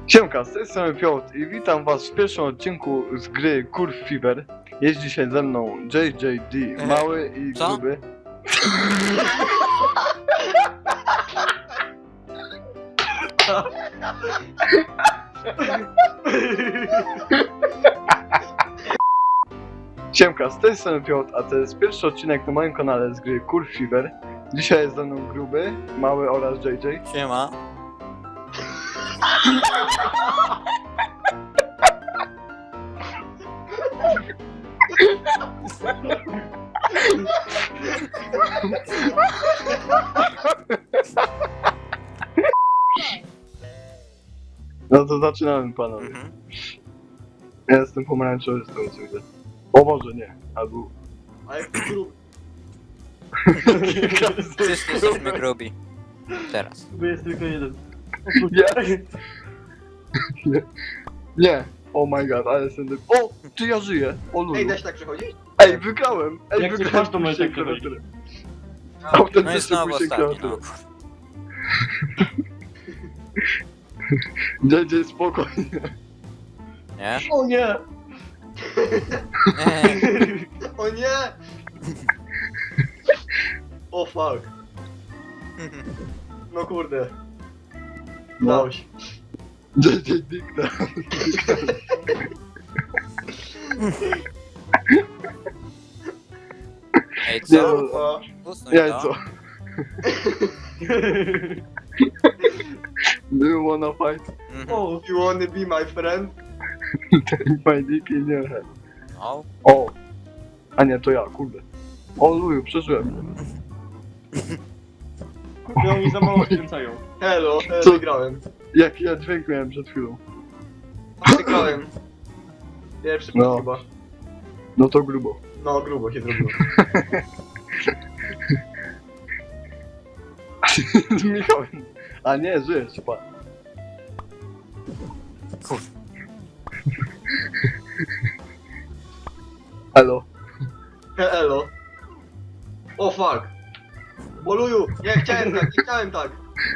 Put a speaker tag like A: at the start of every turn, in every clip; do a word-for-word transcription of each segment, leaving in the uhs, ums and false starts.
A: Siemka, z tej strony Piotr i witam was w pierwszym odcinku z gry Curve Fever. Jest dzisiaj ze mną J J D, mały i
B: Co?
A: gruby. Siemka, z tej strony Piotr, a to jest pierwszy odcinek na moim kanale z gry Curve Fever. Dzisiaj jest ze mną gruby, mały oraz J J.
B: Siema.
A: No to zaczynamy, panowie.
B: Mhm.
A: Ja jestem pomarańczowy z tego co widzę. O Boże, nie. Albo...
C: A jak gruby.
B: Wszyscy jesteśmy grubi. Teraz.
C: Bo jest tylko jeden.
A: Nie. Nie. Nie. Oh my god, ale jestem... dy- O! Czy ja żyję? O lulu.
C: Ej, da się tak przechodzić?
A: Ej, wygrałem! Ej,
D: Jak coś
A: wygrałem
D: masz, to możesz
A: pójście
D: tak przechodzić.
A: klawiatury.
B: No i
A: Autentycznie
B: znowu
A: pójście
B: ostatni, no.
A: klawiatury. J J, spokojnie.
B: Nie?
D: O nie!
B: Nie.
C: O nie! O fuck. No kurde.
A: No.
C: Udało się.
A: J J, dyknę.
B: Ej,
A: Nie,
B: co?
C: O,
B: Usuń
A: Jajco.
B: to.
A: Do you wanna fight?
B: Mhm.
D: O,
C: you wanna be my friend?
A: Take my dick in your head.
B: No.
A: O! A nie, to ja, kurde. O luju, przeżyłem.
D: kurde, oni za mało skręcają.
C: Hello, e,
A: Co?
C: wygrałem.
A: Jaki ja dźwięk miałem przed chwilą.
C: Wygrałem. Pierwszy
A: No.
C: no. chyba.
A: No to grubo.
C: No, grubo się zrobiło.
A: Z Michałem. A nie, żyjesz, pan.
B: Kur...
A: Elo.
C: Hello. O fuck. Oluju, nie chciałem tak, nie chciałem tak.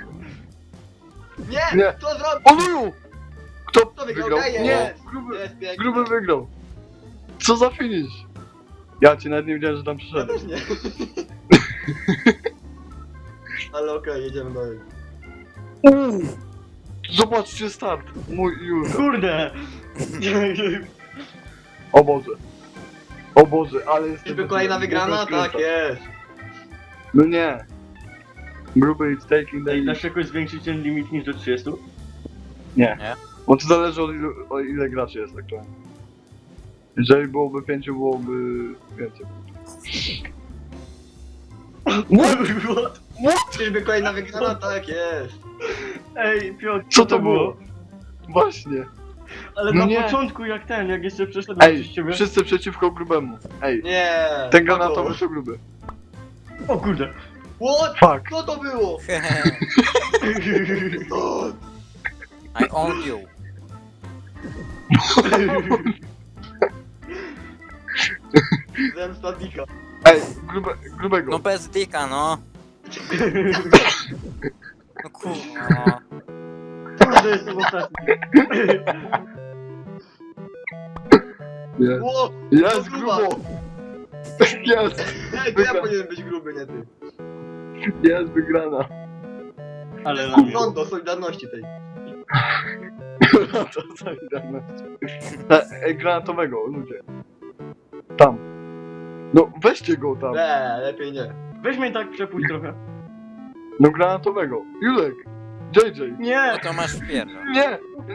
C: Nie!
A: Nie.
C: Co zrobił?
A: O luju! Kto
C: Kto wygrał?
A: wygrał?
C: Daję,
A: Nie,
C: jest.
A: gruby,
C: Jest pięknie.
A: gruby wygrał. Co za finish? Ja ci nawet nie wiedziałem, że tam
C: Ja
A: przyszedłeś.
C: też nie. Ale okej, jedziemy dalej.
A: Uuu. Zobaczcie start. Mój już.
D: Kurde!
A: O Boże. O Boże, ale jest...
C: Czyżby kolejna wygrana? Tak jest.
A: No nie. Gruby is taking the
D: Ej,
A: lead.
D: dasz jakoś zwiększyć ten limit niż do trzydziestu?
A: Nie.
B: Nie?
A: Bo to zależy od ilu, o ile graczy jest aktualnie. Jeżeli byłoby pięciu, byłoby więcej.
D: What?
C: Czyżby kolejna wygrana? Tak jest.
D: Ej, Piotr,
A: Co to było? Właśnie.
D: Ale
A: No
D: na
A: nie.
D: początku jak ten, jak jeszcze przeszedłem
A: Ej,
D: przez ciebie...
A: wszyscy przeciwko grubemu. Ej,
C: Nie.
A: ten
C: Pago.
A: granatowy to gruby.
D: O kurde!
C: What?
A: Fuck.
C: Co to było? O,
B: I own you.
C: zemsta Dika.
A: Ej, grube, grubego.
B: No bez dika, no. No kurwa, no.
D: Kurde, jestem ostatni.
A: Jest,
C: Ło!
A: jest
C: to gruba.
A: grubo. Jest,
C: Ej, to ja powinienem być gruby, nie ty.
A: jest wygrana.
D: Ale na mnie.
C: Rondo Solidarności tej.
A: No to solidarność. E, Ej, granatowego, ludzie. Tam. No, weźcie go tam.
C: Nie, lepiej nie.
D: Weź mnie tak przepuść trochę.
A: No, granatowego. Julek. J J.
B: No
D: Nie!
B: to masz wpierdol.
A: Nie.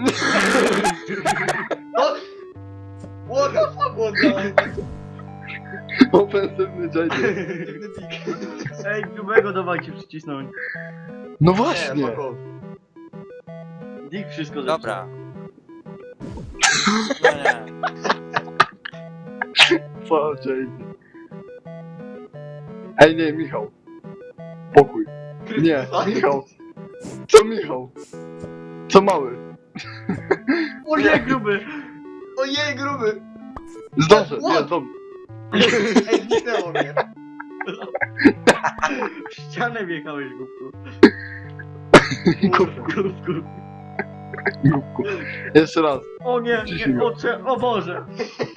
C: No! What the fuck was that?
A: Ofensywny J J.
C: Dziwny Dick.
D: Ej, grubego dawajcie przycisnąć.
A: No
C: Nie,
A: właśnie.
C: fuck off.
D: Dick wszystko zepsuł.
B: Dobra. No nie.
A: Fuck J J. Ej, nie, Michał. Pokój. Nie, Michał. Co Michał? Co mały?
D: O nie, gruby!
C: Ojej, gruby!
A: Zdążę,
C: What?
A: nie, dobrze.
C: Ej, zniknęło mnie.
D: W ścianę wjechałeś, głupku.
A: Kurwa.
D: Głupku.
A: Grupku. Jeszcze raz.
D: O nie,
A: Ciśnij
D: nie,
A: go.
D: o, cze- o Boże.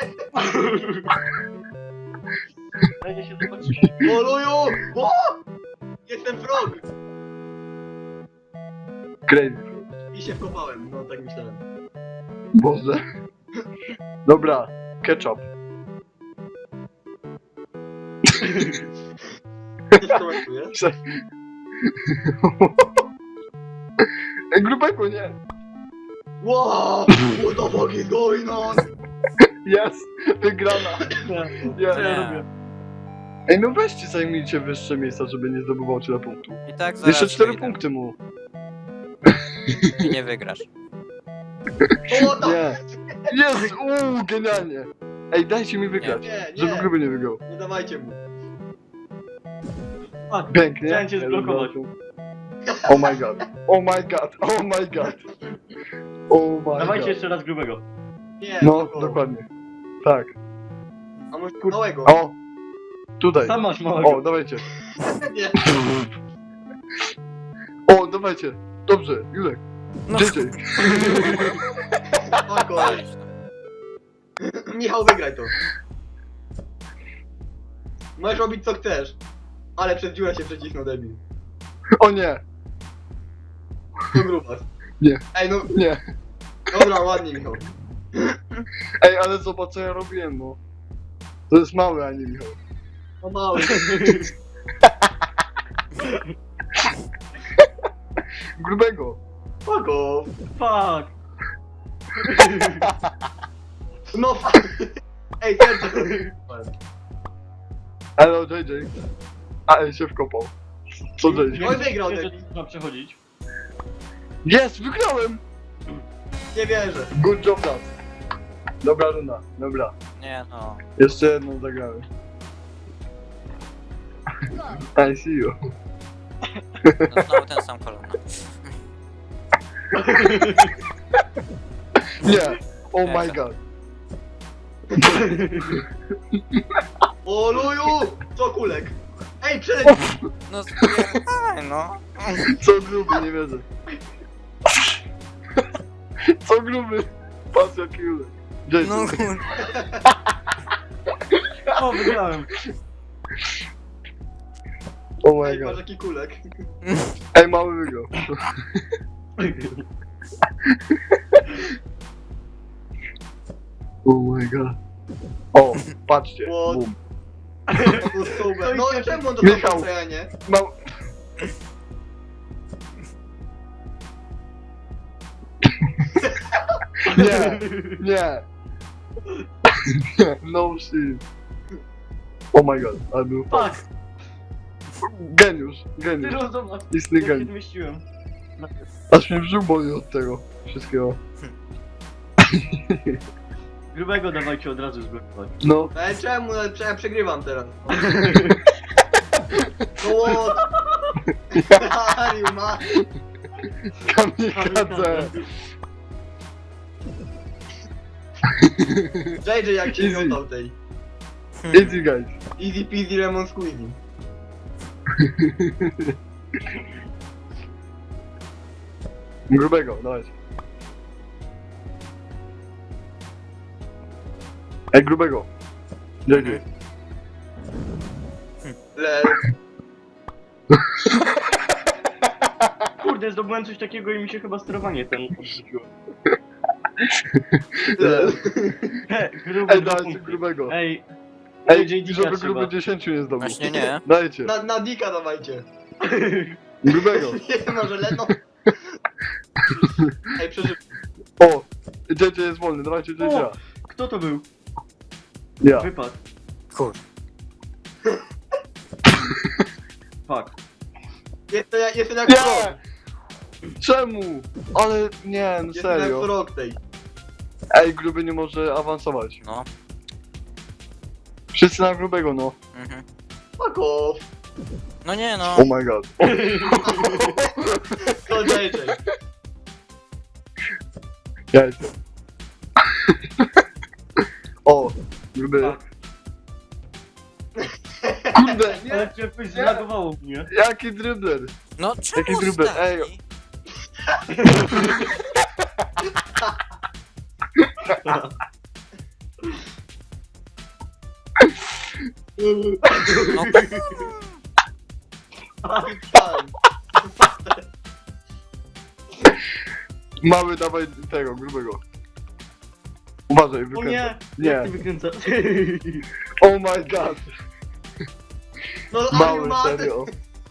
D: Dajcie się zobaczyć.
C: Boluju! O! Jestem frog!
A: Crazy.
C: I się wkopałem, no tak myślałem.
A: Boże. Dobra, ketchup.
C: Ty skomentujesz?
A: Ej, grubego nie.
C: Wow! What the fuck is going on?
A: Jest, wygrana.
D: Co
A: Jest.
D: ja robię?
A: Ej, no weźcie, zajmijcie wyższe miejsca, żeby nie zdobywał tyle punktów.
B: I tak zaraz
A: Jeszcze cztery
B: wyjdę.
A: punkty mu.
B: I nie wygrasz.
C: O, to...
A: Nie. Jest, uuu, genialnie. Ej, dajcie mi wygrać,
C: Nie,
A: żeby
C: nie,
A: gruby nie wygrał.
C: nie dawajcie mu.
D: A,
A: Pięknie.
D: Chciałem cię zblokować.
A: Oh my god. Oh my god. Oh my god. Oh my
D: dawajcie
A: god.
D: jeszcze raz grubego.
C: Nie,
A: No,
C: spoko.
A: dokładnie. Tak.
C: A może małego?
A: O! Tutaj.
D: Sam masz małego.
A: O, dawajcie.
C: Nie.
A: O, dawajcie. Dobrze, Julek.
B: No,
A: J J.
C: Spoko.
B: walić, no.
C: Michał, wygraj to. Możesz robić co chcesz. Ale przez dziurę się przecisnął, debil.
A: O nie.
C: To grubas.
A: Nie.
C: Ej, no,
A: Nie.
C: dobra, ładnie, Michał.
A: Ej, ale zobacz co ja robiłem, no. To jest małe, a nie Michał.
C: No mały.
A: Grubego.
C: Spoko.
D: Fuck.
C: No fuck. Ej, serce.
A: Hello, J J. A, ej, się wkopał. Co J J?
C: Oj, wygrał,
D: Wiem, że
C: debil.
D: trzeba przechodzić.
A: Jest, wygrałem!
C: Nie wierzę.
A: Good job, nas. Dobra runda, dobra.
B: Nie no.
A: Jeszcze jedną zagramy. I see you.
B: No znowu ten sam kolor. No.
A: Nie. Oh my god.
C: O, luju! Co kulek? Ej, przeleć!
B: No spierdaj, no.
A: Co gruby, nie wierzę. Co gruby? Patrz jaki Julek. J J.
B: No kur...
D: O, wygrałem.
A: Oh my
C: Ej, patrz
A: god.
C: jaki kulek.
A: Ej, mały wygrał. Oh my god. O, patrzcie.
C: What?
A: Boom.
C: To był super. No i czemu on to
A: Michał.
C: tam co ja nie?
A: Mał... Nie, nie. No shit. Oh my god, ale był
D: Fuck.
A: geniusz,
D: Ty
A: geniusz.
D: rozumiesz.
A: Istny
D: Ja się
A: geniusz.
D: zmieściłem.
A: Aż mnie brzuch boli od tego wszystkiego.
D: Grubego dawajcie od razu zblokować.
A: No,
C: Ej, czemu? No, Ja przegrywam teraz. No what? Ariu, ma.
A: kamikadze.
C: J J jak cię
A: Easy.
C: miotał tej.
A: Easy guys.
C: Easy peasy lemon squeezy.
A: Grubego, dawajcie. Ej, grubego. J J.
C: Lel.
D: Kurde, zdobyłem coś takiego i mi się chyba sterowanie ten odrzuciło.
C: Lel.
D: He, gruby
A: Ej,
D: dwa
A: dajcie
D: punkty.
A: grubego.
D: Ej,
A: Ej,
D: J J
A: żeby
D: trzeba.
A: gruby dziesięciu nie zdobył.
B: Właśnie nie.
A: Dajcie.
C: Na, na dika dawajcie.
A: Grubego.
C: Nie, może leno. Ej, przeżył.
A: O! J J jest wolny, dawajcie J J.
D: O! Kto to był?
A: Ja.
D: Wypadł.
B: Kur...
D: Fuck.
C: Jestem, jak- jestem jak
A: Nie!
C: frog.
A: Czemu? Ale nie, no
C: Jestem jak
A: serio.
C: frog tej.
A: Ej, gruby nie może awansować.
B: No.
A: Wszyscy na grubego, no.
B: Mhm.
C: Fuck off.
B: No nie no.
A: Oh my god.
C: To J J.
A: Ja jestem. O, gruby.
D: Fuck.
A: Kurde, nie!
D: Ale cię coś zlagowało mnie.
A: Jaki dribler?
B: No czemu
A: Jaki grubel, ej.
B: ostatni? No
C: Tam.
A: Mały, dawaj tego, grubego. Uważaj,
D: O
A: wykręcaj.
D: nie!
A: Nie.
D: Jak ty wykręcasz?
A: Oh my god.
C: No are you
A: Mały,
C: mad?
A: serio.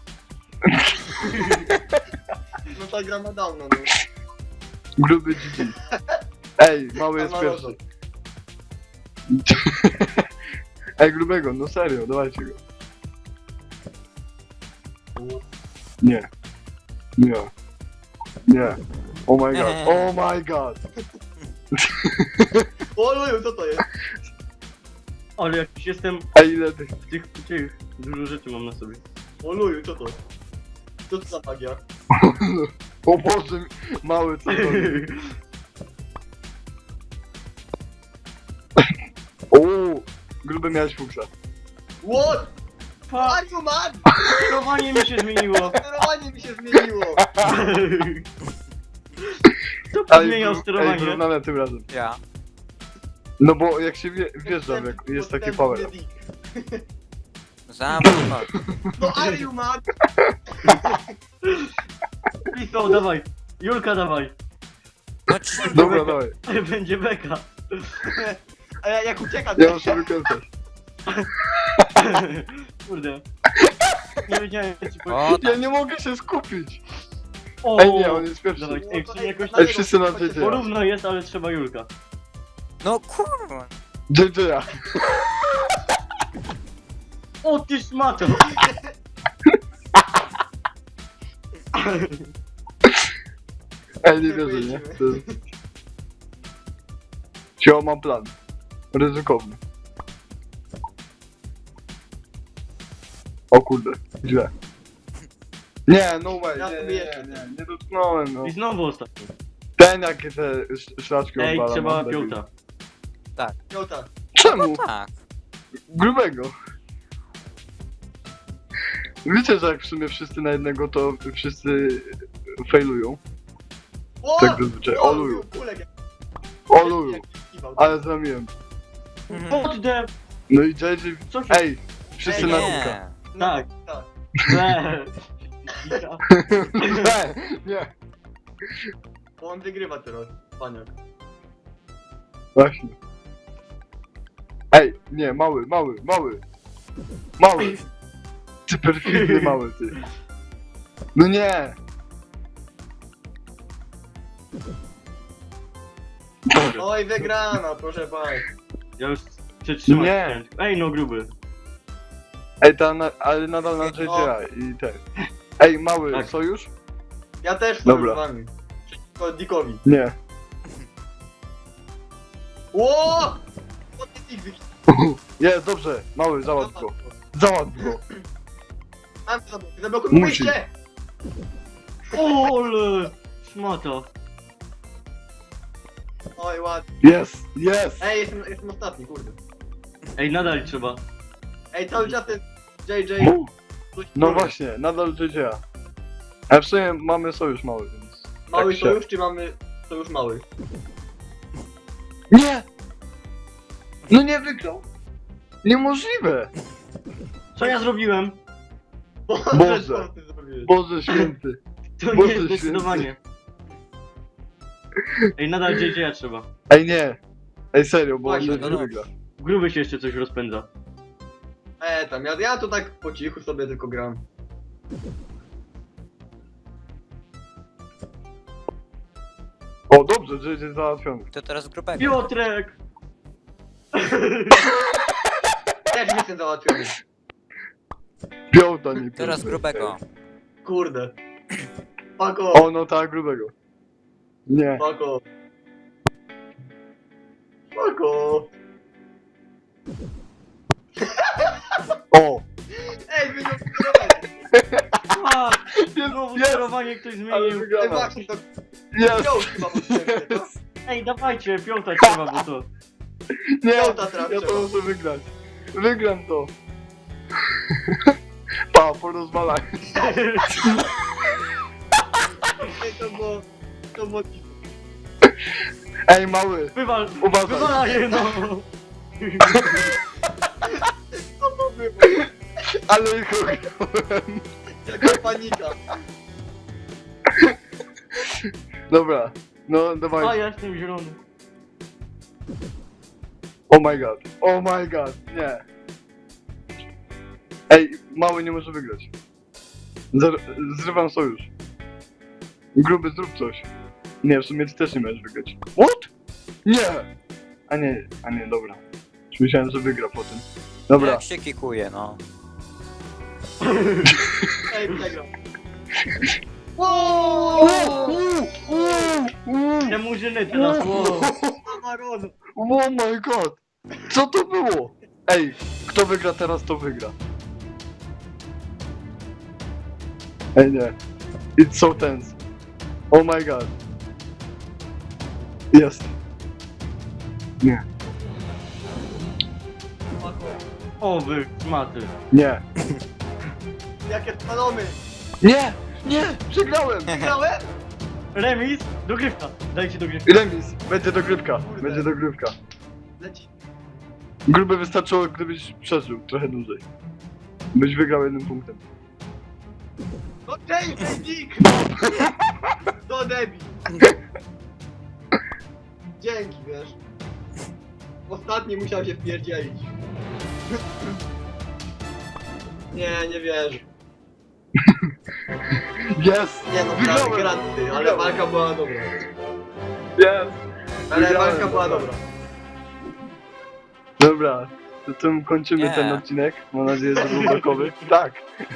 C: No ta gra ma dawno, no.
A: Gruby G G. Ej, mały jest
C: A,
A: pierwszy.
C: mały.
A: Ej, grubego, no serio, dawajcie go. Nie. Nie. Nie. Oh my god. Oh my god.
C: O luju, co to jest?
D: Ale jak już jestem
A: Ej, ile tych...
D: w tych, w tych, dużo rzeczy mam na sobie.
C: O luju, co to? Co to za magia?
A: O Boże, mały co to jest? Uuu, gruby miałeś fuksa.
C: What?
D: Fuck!
C: Are you mad?
D: Sterowanie mi się zmieniło!
C: Sterowanie mi się zmieniło.
D: Kto
A: Ej,
D: zmieniał
A: gru- Ej,
D: sterowanie?
A: wyrównane tym razem.
B: ja.
A: No bo jak się wie, wjeżdżam, jak jest taki power up.
B: Zamknij mordę.
C: No are you mad?
D: Pisał, dawaj! Julka, dawaj!
B: No ci...
A: Dobra, dawaj.
D: Będzie beka!
C: A ja jak uciekam,
A: Ja muszę wykręcać.
D: Kurde. Nie wiedziałem, co ci
B: O
D: powiedzieć.
A: Ja
B: tak.
A: nie mogę się skupić.
D: O,
A: Ej, nie, on jest pierwszy.
D: Dawaj, ej,
C: No to
D: czyli jakoś
C: na
A: Ej,
C: niego
A: wszyscy na
C: chodźcie.
A: dziecię.
D: porówno jest, ale trzeba Julka.
B: No kurwa.
A: J J.
D: O, ty szmato!
A: Ej, nie wierzę, nie? To jest... Cio, mam plan. Ryzykowny. O kurde, źle. Nie, no way,
C: Ja
A: nie,
C: sobie
A: nie,
C: jeszcze.
A: nie, nie, nie dotknąłem, no.
D: I znowu ostatni.
A: Ten, jakie te sz- szlaczki
D: Ej,
A: odwala,
D: trzeba
A: mam taki-
D: piąta.
C: Piota.
A: Czemu?
B: No tak.
A: Grubego. Wiecie, że jak w sumie wszyscy na jednego, to wszyscy failują.
C: O!
A: Tak zazwyczaj. O luju.
C: Kulek jak-
A: O luju.
C: jak kiwał.
A: Ale zramiłem.
B: Mhm.
D: Kurde!
A: No i J J...
D: Co się...
A: Ej, wszyscy
C: Ej,
A: na
B: Nie.
A: dupka.
C: No,
D: Tak.
C: tak.
D: Nie.
A: Nie, nie.
C: Bo on wygrywa teraz, paniak.
A: Właśnie. Ej, nie, mały, mały, mały. Mały. Ty perfidny mały, ty. No nie. Dobra.
C: Oj, wygrana, proszę państwa.
D: Ja już przetrzymać
A: Nie.
D: chciałem. Ej, no gruby.
A: Ej, ta na, ale nadal na J J i ten. Ej, mały,
D: Tak.
A: sojusz?
C: Ja też
A: Dobra.
C: z wami. Przeciwko Dickowi.
A: Nie.
C: Ło! O, ty Dick wyki-
A: Jest, dobrze. Mały, załatw go. Załatw go.
C: Mam to zablokuj, zablokuj
A: Musi.
C: wyjście!
D: Ole! Szmata.
C: Oj, ładnie.
A: Jest, jest.
C: Ej, jestem, jestem ostatni, kurde.
D: Ej, nadal trzeba.
C: Ej, cały czas ten J J...
A: U,
C: coś
A: No
C: kurde.
A: właśnie, nadal J J. A w sumie mamy sojusz mały, więc...
C: Mały
A: tak się-
C: sojusz, czy mamy sojusz mały?
A: Nie! No nie wygrał! Niemożliwe!
D: Co ja zrobiłem?
A: Boże.
C: Co ty zrobiłeś?
A: Boże święty.
D: To
A: Boże
D: nie jest
A: święty.
D: zdecydowanie. Ej, nadal J J trzeba.
A: Ej nie! Ej serio, bo on
C: Właśnie,
A: nie
B: no dobrze.
A: wygra.
D: Gruby się jeszcze coś rozpędza.
C: E, tam, ja, ja tu tak po cichu sobie tylko gram.
A: O dobrze, J J załatwiony.
B: To teraz grubego.
D: Piotrek!
C: Też jestem załatwiony.
A: Piąta nie
B: Teraz
A: piąta.
B: grubego.
C: Kurde. Pako,
A: O no tak, grubego. Nie.
C: pako. Pako.
A: O!
C: Ej, wy nie sterowanie.
D: A!
A: Jest,
D: Znowu
A: jest!
D: sterowanie ktoś
A: Ale
D: zmienił.
C: Ej,
A: wygrana.
C: właśnie, to
A: Jest!
C: wziął chyba potrzebne, to?
D: Ej, dawajcie, piąta trzeba, bo to...
A: Nie!
C: Piąta teraz
A: Ja to
C: trzeba.
A: muszę wygrać. Wygram to. Pa, porozwalaj.
C: Ej, to było... To było...
A: Ej, mały,
D: Wywal,
A: uważaj.
D: wywalaj, no.
C: Co to było?
A: Ale ich ograłem.
C: Jaka panika.
A: Dobra, no
D: A
A: dawaj.
D: ja jestem zielony.
A: Oh my god, oh my god, nie. Ej, mały nie może wygrać. Zer zrywam sojusz. Gruby, zrób coś. Nie, w sumie ty też nie możesz wygrać. What? Nie! A nie, a nie, dobra. Już myślałem, że wygra po tym. Dobra.
B: Jak się kikuje, no.
C: Ej, przegrał.
A: Uuu, uuu, uuu.
D: Te murzyny teraz.
A: Uuu.
C: Amaron.
A: Oh my god! Co to było? Ej, kto wygra teraz, to wygra. Ej nie. It's so tense. Oh my god. Jest. Nie.
D: O wy, szmaty.
A: Nie.
C: Jakie spalony.
A: Nie! Nie! Przegrałem!
C: Wygrałem?
D: Remis, dogrywka. Dajcie dogrywkę.
A: Remis! Będzie dogrywka. Będzie dogrywka.
C: Leci.
A: Gruby wystarczyło, gdybyś przeżył trochę dłużej. Byś wygrał jednym punktem.
C: No James, Dick! To debil. Dzięki, wiesz. Ostatni musiał się wpierdzielić. Nie, nie wierzę.
A: Jest!
C: Nie no,
A: Wygrałem!
C: granty, ale
A: Wygrałem.
C: walka była dobra.
A: Jest!
C: Ale
A: Wygrałem,
C: walka była
A: dobra.
C: dobra.
A: Dobra, to tym kończymy
B: Nie.
A: ten odcinek. Mam nadzieję, że był blokowy. Tak!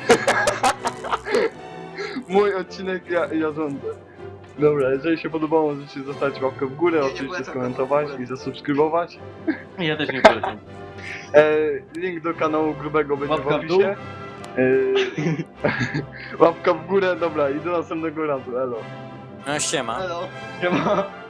A: Mój odcinek, ja, ja rządzę. Dobra, jeżeli się podobało, możecie zostawić łapkę w górę,
C: Nie, nie
A: oczywiście
C: polecam
A: skomentować
C: tego w ogóle.
A: i zasubskrybować.
D: Ja też nie polecam.
A: E, link do kanału grubego będzie
D: Łapka
A: w
D: w dół.
A: opisie. E, łapka w górę, dobra, i do następnego razu, elo.
B: No siema.
C: Hello.
D: Siema.